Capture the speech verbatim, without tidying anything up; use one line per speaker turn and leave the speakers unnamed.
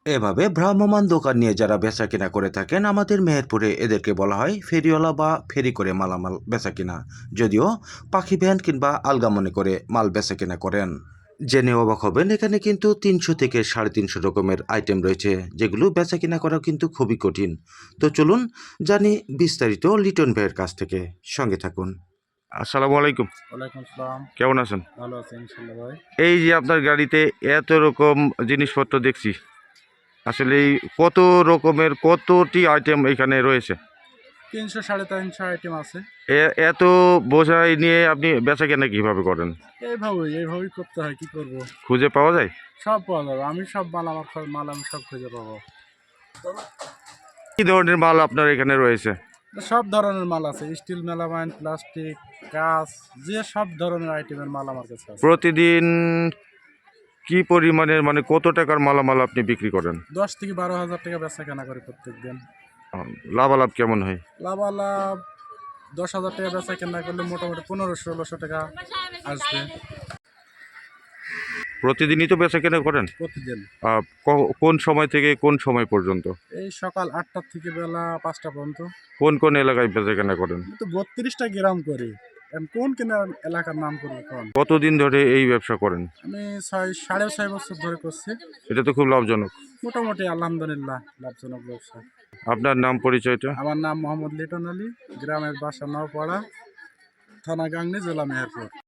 এভাবে ভ্রাম্যমাণ দোকান নিয়ে যারা বেচাকেনা করে থাকেন আমাদের মেহেরপুরে এদেরকে বলা হয় ফেরিওয়ালা বা ফেরি করে মালামাল বেচাকেনা, যদিও পাখি ভ্যান কিংবা আলগা মনে করে মাল বেচাকেনা করেন। জেনে অবাক হবেন, এখানে কিন্তু তিনশো থেকে সাড়ে তিনশো রকমের আইটেম রয়েছে, যেগুলো বেচাকেনা করা কিন্তু খুবই কঠিন। তো চলুন জানি বিস্তারিত লিটন ভাইয়ের কাছ থেকে, সঙ্গে থাকুন। আসসালামু আলাইকুম।
ওয়ালাইকুম আসসালাম।
কেমন আছেন?
ভালো আছি ইনশাআল্লাহ ভাই।
এই যে আপনার গাড়িতে এত রকম জিনিসপত্র দেখছি, আসলে এই কত রকমের কতটি আইটেম এখানে রয়েছে?
তিনশো সাড়ে তিনশো আইটেম আছে।
এ- এত বোঝাই নিয়ে আপনি বেচা কেনা কিভাবে করেন?
এইভাবেই এইভাবেই করতে হয়, কি করব।
খুঁজে পাওয়া যায়?
সব পাওয়া যাবে, আমি সব মাল আমার খ- মাল আমি সব খুঁজে পাবো।
কি ধরনের মাল আপনার এখানে রয়েছে?
সব ধরনের মাল আছে, স্টিল, মেলামাইন, প্লাস্টিক, কাঁচ, যে সব ধরনের আইটেমের মাল আমার কাছে আছে।
প্রতিদিন কি পরিমাণের, মানে কত টাকার মালামাল আপনি বিক্রি করেন?
দশ থেকে বারো হাজার টাকা বেচা কেনা করি প্রত্যেক দিন।
আহ, লাভালাভ কেমন হয়?
লাভালাভ দশ হাজার টাকা বেচা কেনা করলে মোটামুটি পনেরো ষোলোশো টাকা আসবে
প্রতিদিনই তো বেচা কেনা করেন?
প্রতিদিন।
আহ, ক- কোন সময় থেকে কোন সময় পর্যন্ত?
এই সকাল আটটা থেকে বেলা পাঁচটা পর্যন্ত।
কোন কোন এলাকায় বেচা কেনা করেন?
তো বত্রিশটা গ্রাম করি। এখন কোন কিনা এলাকার নাম করবো কোন?
কতদিন ধরে এই ব্যবসা করেন?
আমি ছয় সাড়ে ছয় বছর ধরে করছি।
এটা তো খুব লাভজনক।
মোটামুটি আলহামদুলিল্লাহ লাভজনক ব্যবসা।
আপনার নাম পরিচয়টা?
আমার নাম মোহাম্মদ লিটন আলী, গ্রামের বাসা নওপাড়া, থানা গাংনী, জেলা মেহেরপুর।